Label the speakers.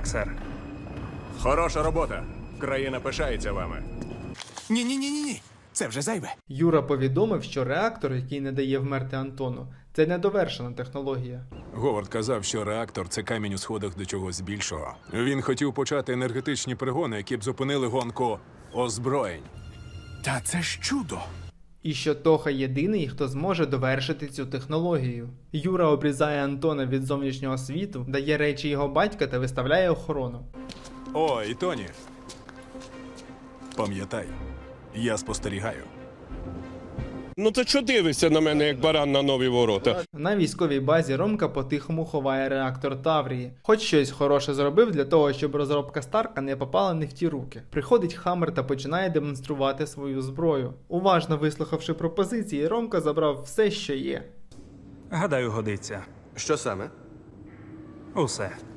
Speaker 1: Так, сер.
Speaker 2: Хороша робота. Країна пишається вами.
Speaker 3: Ні. Це вже зайве.
Speaker 4: Юра повідомив, що реактор, який не дає вмерти Антону, це недовершена технологія.
Speaker 5: Говард казав, що реактор – це камінь у сходах до чогось більшого. Він хотів почати енергетичні пригони, які б зупинили гонку озброєнь.
Speaker 3: Та це ж чудо.
Speaker 4: І що Тоха єдиний, хто зможе довершити цю технологію. Юра обрізає Антона від зовнішнього світу, дає речі його батька та виставляє охорону.
Speaker 5: О, і Тоні. Пам'ятай, я спостерігаю.
Speaker 6: Ну ти чо дивишся на мене, як баран на нові ворота?
Speaker 4: На військовій базі Ромка по-тихому ховає реактор Таврії. Хоч щось хороше зробив для того, щоб розробка Старка не попала не в ті руки. Приходить Хаммер та починає демонструвати свою зброю. Уважно вислухавши пропозиції, Ромка забрав все, що є.
Speaker 1: Гадаю, годиться.
Speaker 7: Що саме?
Speaker 1: Усе.